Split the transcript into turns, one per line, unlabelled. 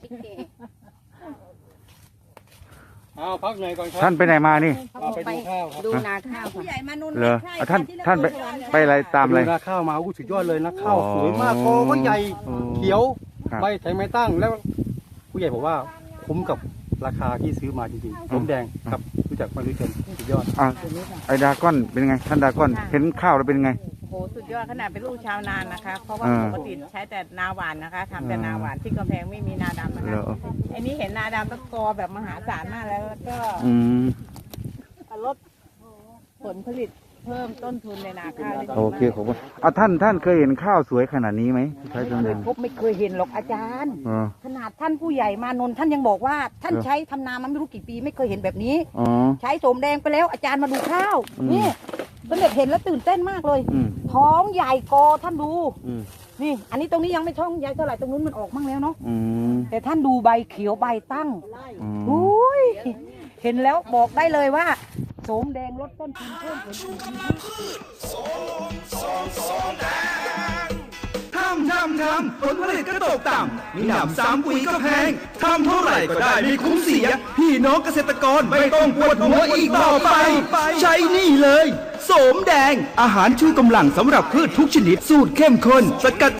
เอาพักเหนื่อยก่อนครับ
ท่านไปไหนมานี่
ไปดูข้าวครับ
ดูนาข้าวผู้ใหญ่มานุ่น
เหรอท่านไปอะไรตาม
ไป
อะไร
ดูนาข้าวมาอู้สุดยอดเลยนะข้าว
อ๋อ
สวยมากกอก็ใหญ่
อ๋อ
เขียว
ครับ
ใบแข็งไม่ตั้งแล้วผู้ใหญ่บอกว่าคุ้มกับราคาที่ซื้อมาจริงๆส้มแดงครับรู้จักมารู้จักสุดยอด
อ่ะไอ้ดาก้อนเป็นไงท่านดาก้อนเห็นข้าวแล้วเป็นไง
โอ้โหสุดยอดขนาดเป็นลูกชาวนานนะคะ เพราะว่า
อ่า
ปกติใช้แต่นาหวานนะคะทำแต่นาหวานที่กำแพงไม่มีนาดำนะ
เหร
คะ
อ
อันนี้เห็นนาดำแล้วกอแบบมหาศาลมากแล้วก็
อืม
ลดผลผลิตเพิ่มต้นทุนในนาข้าวได้ดีมาก
โอเคขอบคุณเอาท่านเคยเห็นข้าวสวยขนาดนี้ไหมใช้ส้มแดง
ไม่เคยเห็นหรอกอาจารย์
อ๋อ
ขนาดท่านผู้ใหญ่มานนท์ท่านยังบอกว่าท่าน
เหรอ
ใช้ทำนามันไม่รู้กี่ปีไม่เคยเห็นแบบนี้
อ๋อ
ใช้โสมแดงไปแล้วอาจารย์มาดูข้าว
อืม
นี่เป็นเด็กเห็นแล้วตื่นเต้นมากเลย
อืม
ท้องใหญ่กอท่านดู
อืม
นี่ อันนี้ตรงนี้ยังไม่ท้องใหญ่เท่าไหร่ตรงนู้นมันออกมั่งแล้วเนาะ
อืม
แต่ท่านดูใบเขียวใบตั้ง
อืม
อุ้ยเห็นแล้วบอกได้เลยว่าโสมแดงลดต้นทุนเพิ่มผลผลิต
ทำผลผลิตก็ตกต่ำมีหนำซ้ำปุ๋ยก็แพงทำเท่าไหร่ก็ได้ไม่คุ้มเสีย พี่น้องเกษตรกรไม่ต้องปวดหัวอีกต่อไป ใช้นี่เลยโสมแดงอาหารชูกำลังสำหรับพืชทุกชนิดสูตรเข้มข้นสกัด